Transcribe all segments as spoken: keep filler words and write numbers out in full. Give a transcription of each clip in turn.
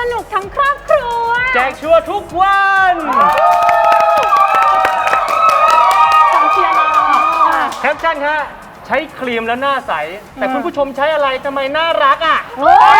นุกทั้งครอบครัวแจกชัวร์ทุกวันสองเชียร์เราแคปชั่นฮะใช้ครีมแล้วหน้าใสแต่คุณผู้ชมใช้อะไรทำไมน่ารักอ่ะ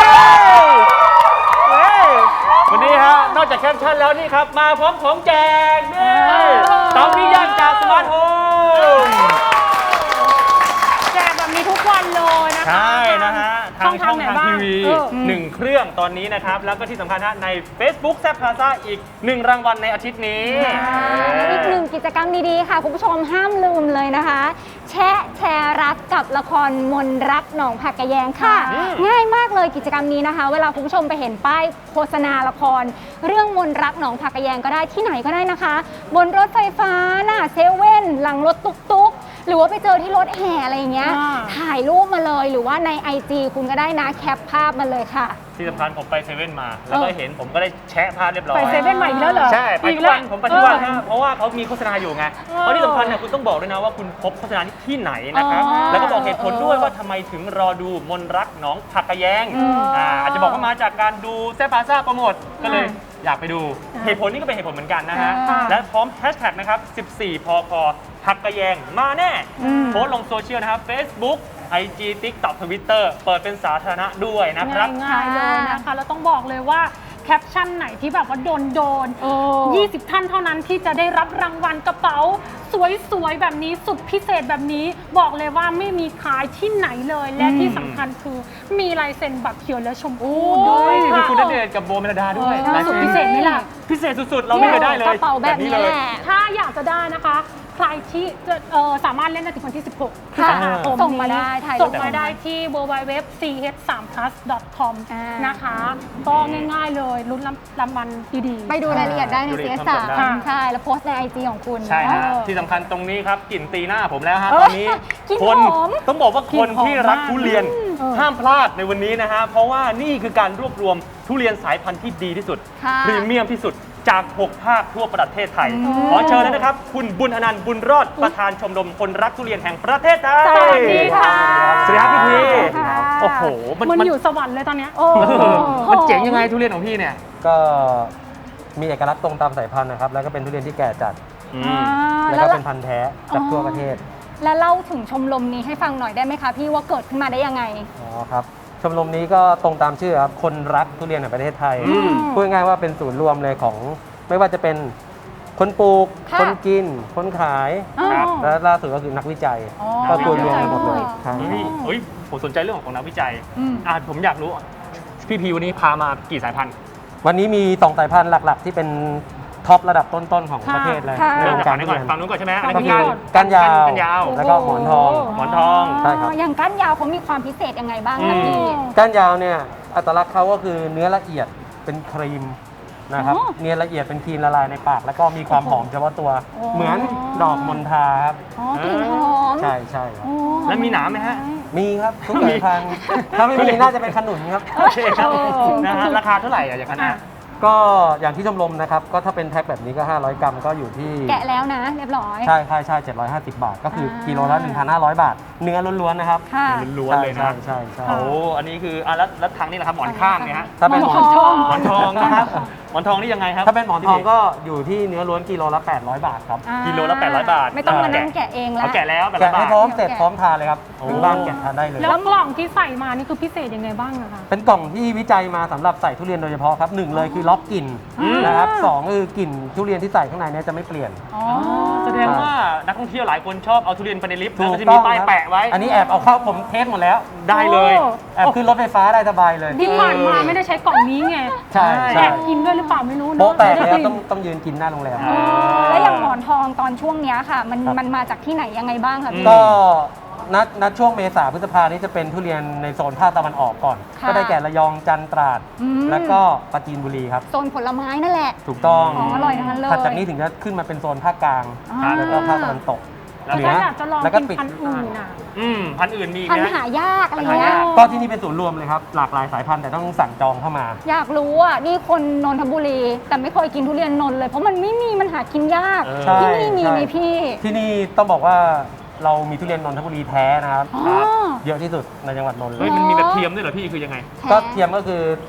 วันนี้ฮะนอกจากแคปชั่นแล้วนี่ครับมาพร้อมของแจกนี่เตาปิ้งย่างจากสมาร์ทโฮมแจกแบบนี้ทุกวันเลยนะคะใช่นะฮะทางช่องทางทีวีหนึ่งเครื่องตอนนี้นะครับแล้วก็ที่สำคัญฮะใน Facebook แซ่บพลาซ่าอีกหนึ่งรางวัลในอาทิตย์นี้อีกหนึ่งกิจกรรมดีๆค่ะคุณผู้ชมห้ามลืมเลยนะคะแชะแชร์รักกับละครมนรักหนองผักกะแยงค่ะง่ายมากเลยกิจกรรมนี้นะคะเวลาคุณผู้ชมไปเห็นป้ายโฆษณาละครเรื่องมนรักหนองผักกะแยงก็ได้ที่ไหนก็ได้นะคะบนรถไฟฟ้าหน้าเซเว่นหลังรถตุ๊กๆหรือว่าไปเจอที่รถแห่อะไรอย่างเงี้ยถ่ายรูปมาเลยหรือว่าใน ไอ จี คุณก็ได้นะแคปภาพมาเลยค่ะที่สำคัญผมไปเซเว่นมาแล้วก็เห็นผมก็ได้แชะภาพเรียบร้อยไปเซเว่นใหม่อีกแล้วเหรอใช่ไปทุกวันผมไปทุกวันฮะเพราะว่าเขามีโฆษณาอยู่ไงเพราะที่สำคัญเนี่ยคุณต้องบอกด้วยนะว่าคุณพบโฆษณาที่ไหนนะครับแล้วก็บอกเหตุผลด้วยว่าทำไมถึงรอดูมนรักหนองผักกะแยงอ่าอาจจะบอกว่ามาจากการดูแซ่บพลาซ่าโปรโมทก็เลยอยากไปดูเหตุผลนี้ก็เป็นเหตุผลเหมือนกันนะฮะและพร้อมแฮชแท็กนะครับสิบสี่พคผักกะแยงมาแน่โพสต์ลงโซเชียลนะครับ Facebookไอ จี TikTok Twitter เปิดเป็นสาธารณะด้วยนะครับง่ายๆเลยนะคะแล้วต้องบอกเลยว่าแคปชั่นไหนที่แบบว่าโดนโดนยี่สิบท่านเท่านั้นที่จะได้รับรางวัลกระเป๋าสวยๆแบบนี้สุดพิเศษแบบนี้บอกเลยว่าไม่มีขายที่ไหนเลยและที่สำคัญคือมีลายเซ็นแบบเขียวและชมพูด้วยมีคุณณเดชน์กับโบเมลดาด้วยสุดพิเศษไหมล่ะพิเศษสุดๆเราไม่เคยได้เลยกระเป๋าแบบนี้แหละถ้าอยากจะได้นะคะใครที่จะสามารถเล่นได้ถึงวันที่สิบหกพฤษภาคมส่งมาได้ส่งมาได้ที่ ดับเบิลยู ดับเบิลยู ดับเบิลยู ดอท ซี เอช ทรี พลัส ดอท คอม นะคะก็ง่ายๆเลยลุ้นรางวัลดีๆไปดูรายละเอียดได้ใน ซี เอส สาม ใช่แล้วโพสต์ใน ไอ จี ของคุณใช่ฮะที่สำคัญตรงนี้ครับกลิ่นตีหน้าผมแล้วฮะตอนนี้คนต้องบอกว่าคนที่รักทุเรียนห้ามพลาดในวันนี้นะฮะเพราะว่านี่คือการรวบรวมทุเรียนสายพันธุ์ที่ดีที่สุดพรีเมียมที่สุดจากหกภาคทั่วประเทศไทยขอเชิญเลยนะครับคุณบุญอนันต์บุญรอดประธานชมรมคนรักทุเรียนแห่งประเทศไทยสวัสดีค่ะสวัสดีครับพี่พีโอ้โหมันอยู่สวรรค์เลยตอนนี้มันเจ๋งยังไงทุเรียนของพี่เนี่ยก็มีเอกลักษณ์ตรงตามสายพันธุ์นะครับแล้วก็เป็นทุเรียนที่แก่จัดแล้วก็เป็นพันธุ์แท้จากทั่วประเทศและเล่าถึงชมรมนี้ให้ฟังหน่อยได้ไหมคะพี่ว่าเกิดขึ้นมาได้ยังไงอ๋อครับชมรมนี้ก็ตรงตามชื่อครับคนรักทุเรียนแห่งประเทศไทยพูดง่ายๆว่าเป็นศูนย์รวมเลยของไม่ว่าจะเป็นคนปลูกคนกินคนขายและล่าสุดก็คือนักวิจัยก็รวมรวมกันหมดเลยใช่เฮ้ยผมสนใจเรื่องของนักวิจัยอ่าผมอยากรู้พี่พีวันนี้พามากี่สายพันธุ์วันนี้มีสองสายพันธุ์หลักๆที่เป็นท็อประดับต้นๆของประเทศเลยเริ่มจากนี้ก่อนฝั่งนู้นก่อนใช่ไหมก็คือก้านยาวแล้วก็หมอนทองหมอนทองใช่ครับอย่างก้านยาวเขามีความพิเศษยังไงบ้างคะพี่ก้านยาวเนี่ยอัตลักษณ์เขาก็คือเนื้อละเอียดเป็นครีมนะครับเนื้อละเอียดเป็นครีมละลายในปากแล้วก็มีความหอมเฉพาะตัวเหมือนดอกมณฑาครับอ๋อกลิ่นหอมใช่ใช่ครับแล้วมีหนามไหมฮะมีครับทุกสายพันธุ์ถ้าไม่มีน่าจะเป็นขนุนครับโอเคครับนะฮะราคาเท่าไหร่อะอย่างนั้นก็อย่างที่ชมรมนะครับก็ถ้าเป็นแพ็คแบบนี้ก็ห้าร้อยกรัมก็อยู่ที่แกะแล้วนะเรียบร้อยใช่ใช่ใช่เจ็ดร้อยห้าสิบบาทก็คือกิโลละ หนึ่งพันห้าร้อย บาทเนื้อล้วนๆนะครับล้วนๆเลยนะใช่ใช่โอ้อันนี้คืออ่ะแล้วแล้วทางนี้แหละครับหมอนข้างเนี่ยฮะถ้าเป็นหมอนทองหมอนทองนะครับหมอนทองนี่ยังไงครับถ้าเป็นหมอนทองก็อยู่ที่เนื้อล้วนกิโลละแปดร้อยบาทครับกิโลละแปดร้อยบาทไม่ต้องมานั่งแกะเองแล้วแกะแล้วแกะให้พร้อมเสร็จพร้อมทานเลยครับถึงบ้านแกะทานได้เลยแล้วกล่องที่ใส่มานี่คือพิเศษยังไงบ้างอะคะเป็นกล่องที่วิจัยมาสำหรับใส่ทุเรียนโดยเฉพาะครับหนึ่งเลยคือล็อกกลิ่นนะครับสองคือกลิ่นทุเรียนที่ใส่ข้างในนี้จะไม่เปลี่ยนแสดงว่านักท่องเที่ยวหลายคนชอบเอาทุเรียนไปในลิฟต์แล้วก็จะมีป้ายแปะไว้อันนี้แอบเอาเข้าผมเทสหมดแล้วได้เลยแอบขึ้นรถไฟฟ้าได้สบายเลยที่ผ่านมาไม่ได้ใช้กล่องนี้ไงใช่แอบกินด้วยหรือเปล่าไม่รู้โป๊ะแตกแล้วต้องต้องยืนกินหน้าโรงแรมแล้วอย่างหมอนทองตอนช่วงนี้ค่ะมันมันมาจากที่ไหนยังไงบ้างคะพี่ก็นัดนัดช่วงเมษาพฤษภานี้จะเป็นทุเรียนในโซนภาคตะวันออกก่อนก็ได้แก่ระยองจันทร์ตราดแล้วก็ปราจีนบุรีครับโซนผลไม้นั่นแหละถูกต้องอร่อยทั้งนั้นเลยถัดจากนี้ถึงจะขึ้นมาเป็นโซนภาคกลางแล้วก็ภาคตะวันตกเหนือแล้วก็ปิดพันธุ์อื่นอ่ะอืมพันธุ์อื่นมีพันธุ์หายากอะไรเงี้ยก็ที่นี่เป็นศูนย์รวมเลยครับหลากหลายสายพันธุ์แต่ต้องสั่งจองเข้ามาอยากรู้อ่ะนี่คนนนทบุรีแต่ไม่เคยกินทุเรียนนนท์เลยเพราะมันไม่มีมันหากินยากที่นี่มีไหมพี่ที่นี่ต้องบอกว่าเรามีทุเรียนนนทบุรีแท้นะครับเยอะที่สุดในจังหวัดนนท์เลยมันมีแบบเทียมด้วยเหรอพี่คือยังไงก็เทียมก็คือ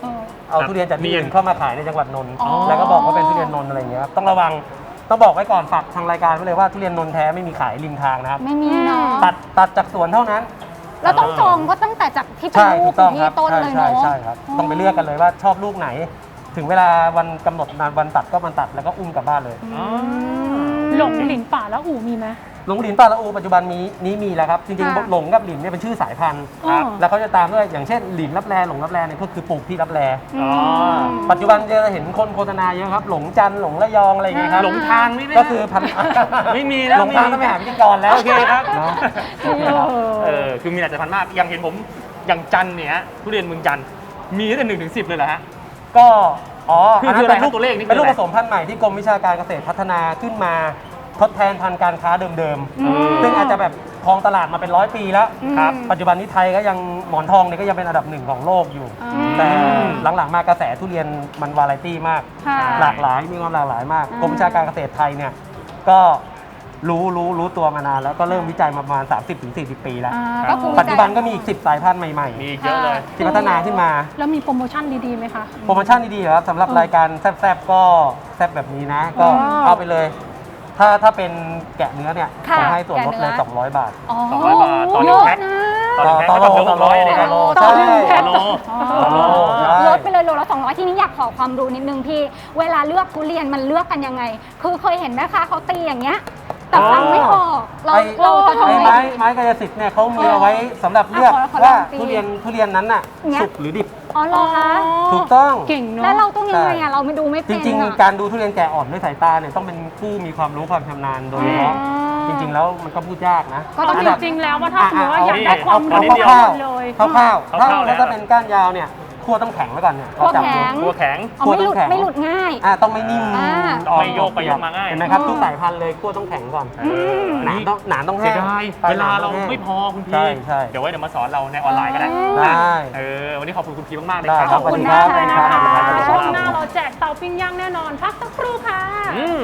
เอาครับทุเรียนจากที่เนียอื่นนเข้ามาขายในจังหวัดนนท์อ๋อแล้วก็บอกว่าเป็นทุเรียนนนท์อะไรอย่างเงี้ยครับต้องระวังต้องบอกไว้ก่อนฝากทางรายการไว้เลยว่าทุเรียนนนท์แท้ไม่มีขายริมทางนะครับไม่มีเนาะตัดตัดจากสวนเท่านั้นเราต้องจองก็ตั้งแต่จากที่เป็นใช่ลูถูกกต้องที่ครับต้นใช่เลยใช่เนาะใช่ครับต้องไปเลือกกันเลยว่าชอบลูกไหน ถึงเวลาวันกำหนดนานวันตัดก็มันตัดแล้วก็อุ้มกลับบ้านเลยอ๋อหลงหลินป่าแล้วอู่มีไหมหลงหลินปลาละอูปัจจุบันมีนี้มีแล้วครับจริงค่ะๆหลงกับหลินเนี่ยเป็นชื่อสายพันธุ์ครับแล้วเขาจะตามด้วยอย่างเช่นหลินรับแลหลงรับแลเนี่ยก็คือปลูกที่รับแลอ๋อปัจจุบันจะเห็นคนโฆษณาเยอะครับ หลงจันทร์หลงระยองอะไรอย่างเงี้ยครับหลงทางนี่ไหมก็คือพันไม่มีแล้วหลงทางไม่มีต้องไปหาพิธีกรแล้วโอเคครับเนาะเออคือมีหลายสายพันธุ์มากอย่างเห็นผมอย่างจันทร์เนี่ยทุเรียนเมืองจันทร์มีตั้งแต่หนึ่งถึงสิบเลยเหรอฮะก็อ๋อคือคืออะไรครับตัวเลขนี่คือเป็นลูกอะไรผสมพันธุ์ใหม่ที่กรมวิชาการเกษตรพัฒนาขึ้นมาทดแทนพันธุ์การค้าเดิมอืมๆซึ่งอาจจะแบบครองตลาดมาเป็นร้อยปีแล้วครับปัจจุบันนี้ไทยก็ยังหมอนทองเนี่ยก็ยังเป็นอันดับหนึ่งของโลกอยู่ แต่หลังๆมากระแสทุเรียนมันวาไรตี้มากค่ะหลากหลายมีความหลากหลายมากอ่ากรมวิชาการเกษตรไทยเนี่ยก็รู้รู้รู้ตัวมานานแล้วก็เริ่มวิจัยมาประมาณ สามสิบถึงสี่สิบ ปีแล้วอ่าครับก็คือปัจจุบันก็มีอีกสิบสายพันธุ์ใหม่มีอีกเยอะเลยๆ ที่พัฒนาขึ้นมาแล้วมีโปรโมชั่นดีๆไหมคะโปรโมชั่นดีๆครับสำหรับรายการแซบๆก็แซบแบบนี้นะ ก็อ๋อเอาไปเลย ถ้าถ้าเป็นแกะเนื้อเนี่ยค่ะผมให้ส่วนลดเลยแกะเนื้อสองร้อยบาทอ๋อสองร้อยบาทต่อหนึ่เยงอะแพ็คนะตอนนี้แพ็คก็ต้องหกร้อยเลยต่นะอโลต่อหนึ่งแพ็คต่อโลต่อโลใช่ลดไปเลยโลละสองร้อยที่นี้อยากขอความรู้นิดนึงพี่ เวลาเลือกทุเรียนมันเลือกกันยังไง คือเคยเห็นแม่ค้าเขาตีอย่างเงี้ย แต่ฟังไม่ออกเราไอ้เราจะทำไอ้ยังไงไม้ไม้กายสิทธิ์เนี่ยเขามีเอาไว้สำหรับเลือกอ่ะขอขอว่าลองตีทุเรียนทุเรียนนั้นน่ะเนี่ยสุกหรือดิบอ๋อเหรอคะถูกต้องเก่งเนาะแล้วเราต้องยังไงใช่อ่ะเราไม่ดูไม่จเป็นริงอ่ะๆ การดูทุเรียนแก่อ่อนด้วยสายตาเนี่ยต้องเป็นผู้มีความรู้ความชำนาญโดยเฉพาะอ๋อจริง ๆ แล้วมันก็พูดยากนะก็ต้องเอานดับจริงๆแล้วว่าถ้าสมมติว่าอ่ะอยากได้ความเอารู้นิดเดียวคร่าวเลยๆคร่าวๆคร่าถ้าวๆแล้วนะถ้าเป็นก้านยาวเนี่ยคั่วต้องแข็งไว้ก่อนเนี่ยคั่วเราจับแข็ดูงตัวแข็งอ๋อไม่หลุดคั่วต้องแข็งไม่หลุดง่ายอ่ะต้องไม่นิ่มอ่าไม่โยกไปโยกมาง่ายเห็นไหมครับอ๋อทุกสายพันธุ์เลยคั่วต้องแข็งก่อนเออหนามต้องหนามต้องเสีแห้ยงดายปลยเวลาหนเราต้องแห้งไม่พอคุณพีใช่ใช่เดี๋ยวไว้เดี๋ยวมาสอนเราในออนไลน์ก็ได้ได้เออวันนี้ขอบคุณคุณพีมากๆเลยได้คครัรับบขอบคุณมากเลยนะคะสวัสดีครับช่วงหน้าเราแจกเตาปิ้งย่างแน่นอน พักสักครู่ค่ะอืม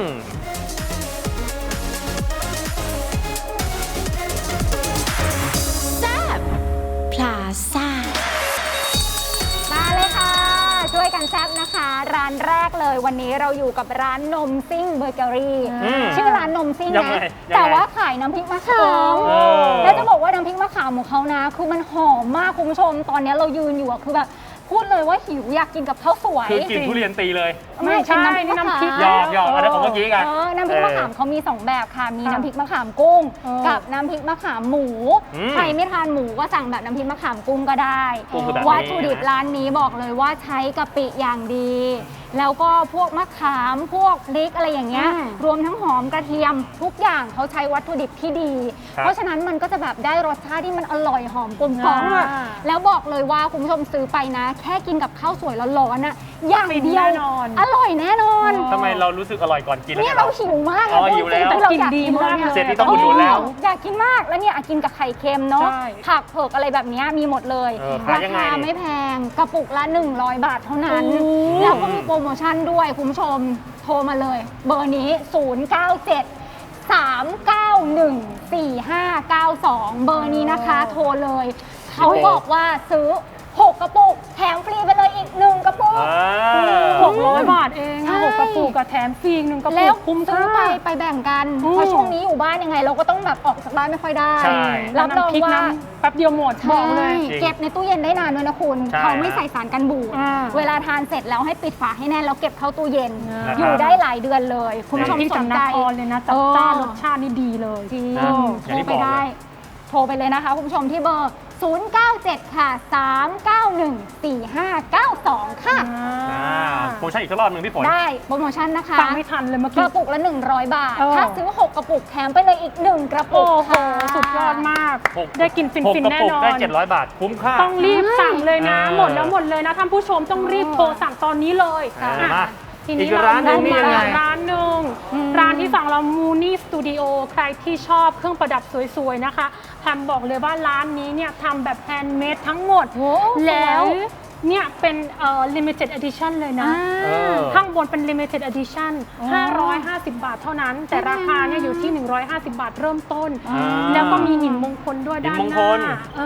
พลาซ่ามาเลยค่ะ ช่วยกันแซบนะคะ ร้านแรกเลยวันนี้เราอยู่กับร้านนมซิ่งเบเกอรี่อืมชื่อร้านนมซิ่งยังไงนะยังไงแต่ว่าขายน้ำพริกมะขามเออแล้วจะบอกว่าน้ำพริกมะขามของเขานะ คือมันหอมมากคุณผู้ชม ตอนนี้เรายืนอยู่อะคือแบบพูดเลยว่าหิวอยากกินกับข้าวสวยคือกินทุเรียนตีเลยไม่ใช่เป็นนี่น้ำพริกหยอกหยอกอันนั้นของเมื่อกี้กันเออน้ำพริกมะขามเขามีสองแบบค่ะ มีน้ำพริกมะขามกุ้งเออกับน้ำพริกมะขามหมูอืมใครไม่ทานหมูก็สั่งแบบน้ำพริกมะขามกุ้งก็ได้กุ้งคือแบบนี้วัตถุดิบร้านนี้บอกเลยว่าใช้กะปิอย่างดี แล้วก็พวกมะขามพวกพริกอะไรอย่างเงี้ยอืมรวมทั้งหอมกระเทียมทุกอย่างเขาใช้วัตถุดิบที่ดีครับเพราะฉะนั้นมันก็จะแบบได้รสชาติที่มันอร่อยหอมกลมกล่อมอ่าแล้วบอกเลยว่าคุณผู้ชมซื้อไปนะ แค่กินกับข้าวสวยร้อนๆน่ะอย่างเดียวแน่นอนอร่อยแน่นอนทำไมเรารู้สึกอร่อยก่อนกินเนี่ยนะเราหิวมากอ๋อหิวแล้วพูดจริงๆเราอยากกินดีกินมากนี่เลยเสร็จนี่ต้องอุดหนุนแล้วอยากกินมากแล้วเนี่ยอ่ะกินกับไข่เค็มเนาะใช่ผักเผือกอะไรแบบเนี้ยมีหมดเลยเออขายรายังไงคานี่ไม่แพงกระปุกละหนึ่งร้อยบาทเท่านั้นโอ้แล้วก็มีโปรโมชั่นด้วยคุณผู้ชมโทรมาเลย เบอร์นี้ ศูนย์ เก้า เจ็ด สาม เก้า หนึ่ง สี่ ห้า เก้า สอง เบอร์นี้นะคะ โทรเลย เขาบอกว่าซื้อหกกระปุกแถมฟรีไปเลยอีกหนึ่งกระปุกอ่าหกร้อยบาทเองใช่หกกระปุกกับแถมฟรีอีกหนึ่งกระปุแล้วกคุ้มซื้อค่าไปไปแบ่งกันอืมเพราะช่วงนี้อยู่บ้านยังไง เราก็ต้องแบบออกจากบ้านไม่ค่อยได้ใช่รับรองน้ำพริกว่าน้ำแป๊บเดียวหมดบอกเลยใช่เก็บในตู้เย็นได้นานด้วยนะคุณใช่เขาไม่ใส่สารกันบูดอ่าเวลาทานเสร็จแล้วให้ปิดฝาให้แน่นแล้วเก็บเข้าตู้เย็นนะครับอยู่ได้หลายเดือนเลย คุณผู้ชมที่สจากนนใจครเลยนะจัดจ้านรสชาตินี่ดีเลยจริงนะโทอย่างรที่ไปบอกได้เลยโทรไปเลยนะคะ คุณผู้ชมที่เบอร์ ศูนย์ เก้า เจ็ด ค่ะ สาม เก้า หนึ่ง สี่ ห้า เก้า สอง ค่ะอ่าโปรโมชั่นอีกสักรอบหนึ่งพี่ฝนได้โปรโมชั่นนะคะฟังไม่ทันเลยเมื่อก กี้ระปุกละ หนึ่งร้อย บาทเออถ้าซื้อ หก กระปุกแถมไปเลยอีก หนึ่ง กระปุโอ้กโหค่ะสุดยอดมากหกได้กินฟินหกฟินกระแน่ปุกนอนได้เจ็ดร้อยบาท คุ้มค่าต้องรีบสั่งเลยนะเออหมดแล้วหมดเลยนะท่านผู้ชมต้องรีบโทรสั่งตอนนี้เลยอ่าอ่ะมาทีนี้อีกร้านหนึ่งเนี่ยังไงร้านหนึ่งร้านที่สองเรามูนี่สตูดิโอใครที่ชอบเครื่องประดับสวยๆนะคะแพมบอกเลยว่าร้านนี้เนี่ยทำแบบแฮนด์เมดทั้งหมดโอ้สวยแล้วเนี่ยเป็นเอ่อ limited edition เลยนะเออข้างบนเป็น limited edition ห้าร้อยห้าสิบบาทเท่านั้น แต่ราคาเนี่ยอยู่ที่ หนึ่งร้อยห้าสิบบาทเริ่มต้นอ่าแล้วก็มีหินมงคลด้วยหินด้านมงหคน้าลเออ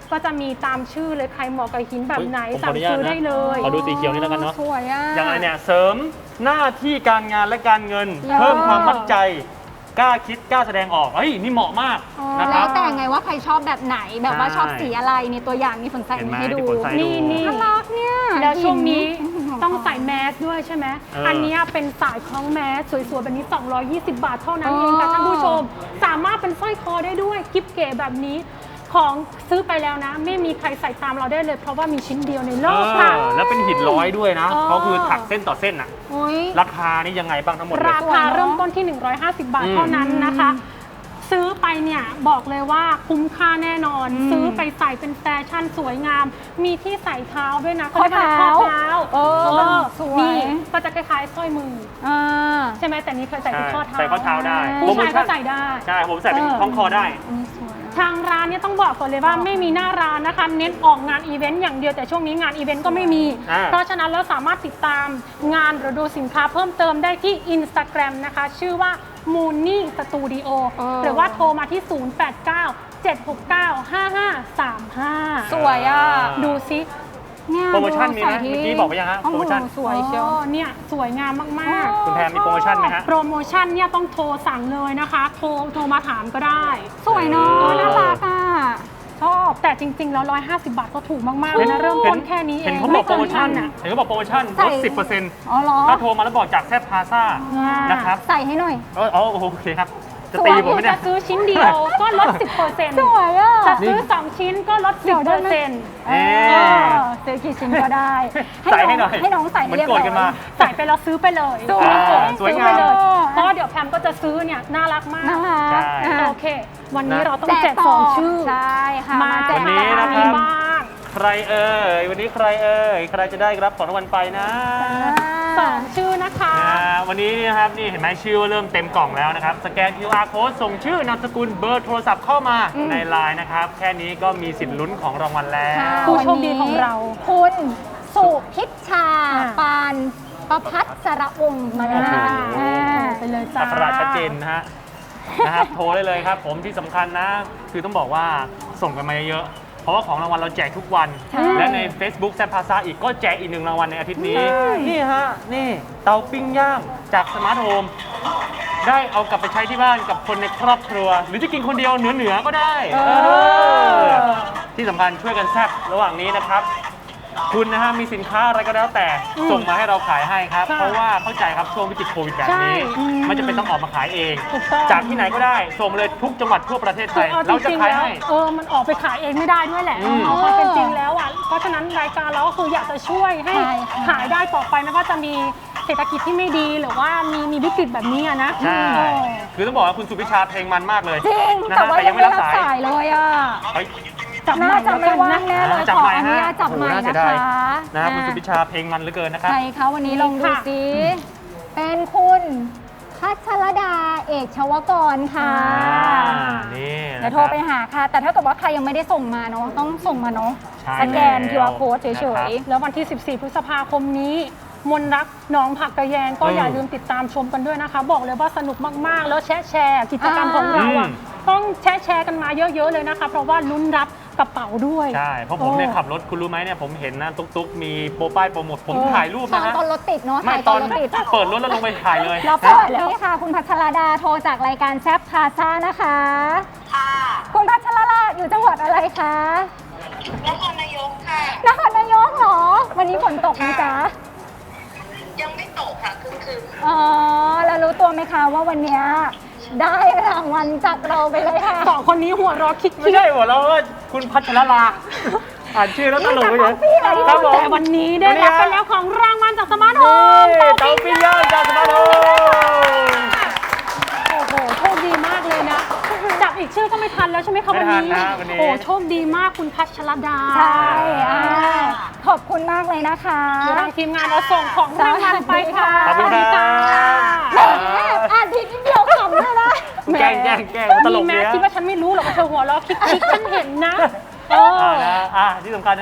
ก็จะมีตามชื่อเลยใครเหมาะกับหินแบบไหนผมขอสั่อง นุญาตซื้อนะได้เลยขอดูสีเขียวนี่แล้วกันเนาะสวยอ่ะอย่างไรเนี่ยเสริมหน้าที่การงานและการเงินเยอะเพิ่มความมั่นใจกล้าคิดกล้าแสดงออกเฮ้ยนี่เหมาะมากนะคแล้รัวบแต่ไงว่าใครชอบแบบไหนแบบว่าใช่ชอบสีอะไรนี่ตัวอย่างมีฝนใส่เห็นไหมให้ดูที่ฝนใส่นี่นี่น่ารักเนี่ยแล้วช่วงนี้หินต้องใส่แมสด้วยใช่ไหมเอออัอันเนี้ยเป็นสายคล้องแมสสวยๆแบบนี้ สองร้อยยี่สิบบาทเท่านั้นอ๋อเองค่ะท่านผู้ชม สามารถเป็นสร้อยคอได้ด้วยกิฟเก๋แบบนี้ ของซื้อไปแล้วนะ ไม่มีใครใส่ตามเราได้เลย เพราะว่ามีชิ้นเดียวในโลเอกค่ะอแล้วเป็นหินร้อยด้วยนะเออเขาคือถักเส้นต่อเส้นอะโอ้ยราคานี่ยังไงบ้างทั้งหมดเลยราคาเริ่มต้นที่ หนึ่งร้อยห้าสิบบาทอืมเท่านั้นนะคะ ซื้อไปเนี่ยบอกเลยว่าคุ้มค่าแน่นอนอืมซื้อไปใส่เป็นแฟชั่นสวยงาม มีที่ใส่เท้าด้วยนะข้อเท้าข้อเท้าเออสวยนี่ก็จะคล้ายๆสร้อยมืออ่าใช่ไหมแต่นี้เคยใส่ที่ข้อเท้าใส่ข้อเท้าได้ผู้ชายก็ใส่ได้ใช่ผมใส่เป็นคล้องคอได้อันนี้สวยอะทางร้านเนี่ยต้องบอกก่อนเลยว่าไม่มีหน้าร้านนะคะ เน้นออกงานอีเวนต์อย่างเดียวแต่ช่วงนี้งานอีเวนต์ก็ไม่มีอ่าเพราะฉะนั้นเราสามารถติดตามงานหรือดูสินค้าเพิ่มเติมได้ที่ Instagram นะคะ ชื่อว่า Mooney Studio หรือว่าโทรมาที่ ศูนย์ แปด เก้า เจ็ด หก เก้า ห้า ห้า สาม ห้าสวยอ่ะดูซิเนี่ยโปรโมชั่นมีไหมใส่ที่เมื่อกี้บอกไปยังฮะโอ้โหโปรโมชั่นสวยเชียวอ๋อเนี่ยสวยงามมากๆคุณแพรมีโปรโมชั่นไหมฮะโปรโมชั่นเนี่ยต้องโทรสั่งเลยนะคะ โทรโทรมาถามก็ได้สวยเนาะเออน่ารักอ่ะชอบแต่จริง ๆ แล้ว หนึ่งร้อยห้าสิบบาทก็ถูกมากๆเลยนะ เริ่มต้นแค่นี้เองเห็นเขาบอกโปรโมชั่นไเกิพัอ่ะเห็นเขาบอกโปรโมชั่นใส่ลดสิบเปอร์เซ็นต์อ๋อเหรอถ้าโทรมาแล้วบอกจากแซฟพาซ่าอ่านนะครับใส่ให้หน่อยเอออ๋อโอเคครับ จะตีผมไหมเนี่ยจะซื้อชิ้นเดียวก็ลด สิบเปอร์เซ็นต์สวยอ่ะจะซื้อ สอง ชิ้นก็ลด สิบเปอร์เซ็นต์เอ๊ะซื้อกี่ชิ้นก็ได้ใส่ให้หน่อยให้น้องใส่เหมือนเรียบโกร้รอธยกันมาใส่ไปแล้วซื้อไปเลยสวยอ่าสวยซื้องามไปเลยอ๋อเพราะว่าเดี๋ยวแพมก็จะซื้อเนี่ยน่ารักมากน่ารักใช่อ่ะโอเค วันนี้นะเราต้องแจกสองชื่อใช่ค่ะมาแจกวันนี้ต่อนะคมีรับบ้างใครเอ่ยวันนี้ใครเอ่ยใครจะได้รับของรางวัลไปนะสองชื่อนะคะอ่าวันนี้นี่นะครับนี่เห็นไหมชื่อว่าเริ่มเต็มกล่องแล้วนะครับสแกน คิว อาร์ Code ส่งชื่อนามสกุลเบอร์โทรศัพท์เข้ามาในไลน์นะครับแค่นี้ก็มีสิทธิ์ลุ้นของรางวัลแล้วค่ะผู้โชคดีของเราคุณสุพิชชาอ่าปานประพัฒสระวงศ์มาเลยนะคะโอ้โหอ่าไปเลยจ้าอักขระชัดเจนนะฮะ นะครับโทรได้เลยครับผมที่สำคัญนะ คือต้องบอกว่าส่งกันมาเยอะๆเพราะว่าของรางวัลเราแจกทุกวันใช่และใน Facebook แซมพาซาอีกก็แจกอีกหนึ่งรางวัลในอาทิตย์นี้ใช่นี่ฮะ นี่เตาปิ้งย่างจากสมาร์ทโฮมได้เอากลับไปใช้ที่บ้านกับคนในครอบครัว หรือจะกินคนเดียวเหนือๆก็ได้เออเออที่สำคัญช่วยกันแซ่บระหว่างนี้นะครับ คุณนะฮะมีสินค้าอะไรก็แล้วแต่ส่งมาให้เราขายให้ครับใช่เพราะว่าเข้าใจครับช่วงวิกฤตโควิดแบบนี้ใช่อืมมันจะเป็นต้องออกมาขายเองถูกต้องจากที่ไหนก็ได้ส่งมาเลยทุกจังหวัดทั่วประเทศไทคือย เอาจเราจะริงๆขายแล้วให้เออมันออกไปขายเองไม่ได้ด้วยแหละอืมเอาความเป็นจริงแล้วอ่ะเพราะฉะนั้นรายการเราก็คืออยากจะช่วยให้ใช่ค่ะขายได้ต่อไปไม่ว่าจะมีเศรษฐกิจที่ไม่ดีหรือว่ามีมีวิกฤตแบบนี้อะนะใช่เออคือต้องบอกว่าคุณสุพิชาเพลงมันมากเลยจริงนะแต่ฮะว่าแต่ยัยัง งไม่ไม่รัรับบสาสาย ยเลยอ่ะเฮ้ยจับน่าจะไม่ว่างนะแน่เลยจับขอไมค์อนุญาตฮะจับไมค์โอ้โหน่าเสีนะยดายคะนะครับคุณอ่าสุพิชาเพลงมันเหลือเกินนะครับใครคะวันนี้ลองดูค่ะสิเป็นคุณพัชรดาเอกชวกรค่ะอ่านี่เดี๋ยวโทรไปหาค่ะ แต่ถ้าเกิดว่าใครยังไม่ได้ส่งมาเนาะต้องส่งมาเนาะใช่สแกนแล้วคิว อาร์ Code เฉนะครับยแล้ววันที่ สิบสี่ พฤษภาคมนี้มนรักหน้องผักกระแยงก็อืมอย่าลืมติดตามชมกันด้วยนะคะ บอกเลยว่าสนุกมากๆ แล้วแชร์แชร์กิจกรรมของเราอ่ะอืมต้องแชร์แชร์กันมาเยอะๆเลยนะคะ เพราะว่าลุ้นรับกระเป๋าด้วยใช่เพราะผมเนี่ยโอ้ขับรถคุณรู้ไหมเนี่ยผมเห็นนะตุ๊กๆ มีโปรป้ายโปรโมทผมเออถ่ายรูปๆตอนะนฮะตอนรถติดเนาะไม่ถ่ายตตออน นรถติดเปิดรถแล้วลงไปถ่ายเลยเรานะสวัสดีค่ะ คุณพัชรดาโทรจากรายการแซฟพาซ่านะคะค่ะคุณพัชรดาอยู่จังหวัดอะไรคะนครนายกค่ะนครนายกเหรอ วันนี้ฝนตกไหมจ๊ะยังไม่ตกค่ะคือคืออ๋อ แล้วรู้ตัวไหมคะว่าวันเนี้ยได้รางวัลจากเราไปเลยค่ะสองคนนี้หัวเร้อคิกไม่ใช่หัวเราะว่าคุณพัชรลาอ่านชื่อแล้วตลกเลยพี่เหรอที่ครับผมแต่วันนี้ได้รับไปแล้วของรางวัลจากสมาร์ทโฮมนี่เตาปิ้งย่างจากสมาร์ทโฮมโอ้โหโชคดีมากเลยนะ จับอีกชื่อก็ไม่ทันแล้วใช่ไหมคะไม่วันทันนี้นะวันนี้โอ้โชคดีมากคุณพัชรดาใช่อ่าขอบคุณมากเลยนะคะเดี๋ยวทางทีมงานเราส่งของรางวัลไปค่ะขอบคุณครับสวัสดีค่ะแหมอ่านผิดนิดเดียวขำเลยนะแกล้งแกล้งแกล้งตลกมีเนี้แม้ยคิดว่าฉันไม่รู้หรอกว่าเธอหัวเราะคิกคิกฉันเห็นนะเออ่าอนะอ่ะที่สำคัญนะครับ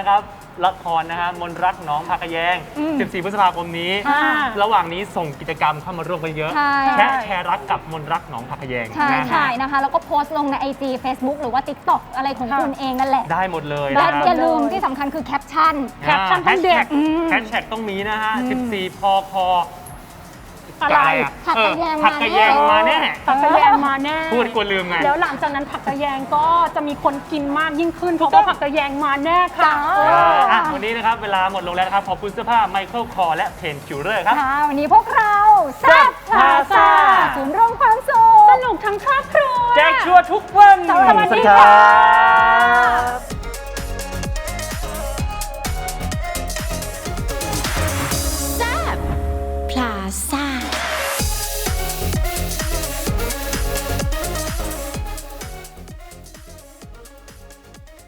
ละครนะฮะมนรักหน้องผักกะแยงอืมสิบสี่ พฤษภาคมนี้อ่าระหว่างนี้ส่งกิจกรรมเข้ามาร่วมกันเยอะใช่แชร์แชร์รักกับมนรักหน้องผักกะแยงใช่นะใช่ฮะนะคะ แล้วก็โพสต์ลงใน ไอ จี Facebook หรือว่า TikTok อะไรของค่ะคุณเองนั่นแหละได้หมดเลยและนะคอย่ารับลืมที่สำคัญคือแคปชั่นแคปชั่นต้องเด็ดอืมแฮชแท็กต้องมีนะฮะ สิบสี่ พคอะไรอะผักกะแยงเออผักกะแยงมาแน่ผักกะแยงมาแน่พูดกลัวลืมไงแล้วหลังจากนั้นผักกะแยงก็จะมีคนกินมากยิ่งขึ้นเพราะว่าผักกะแยงมาแน่ค่ะจ้าเอออ่ะวันนี้นะครับ เวลาหมดลงแล้วนะครับ ขอบคุณเสื้อผ้าไมเคิลคอและเพนคิวเลอร์ครับค่ะ วันนี้พวกเราแซ่บพาซาศูนย์รวมความสุขสนุกทั้งครอบครัวแจกชัวร์ทุกวันสวัสดีสวัสดีครัค่ะบ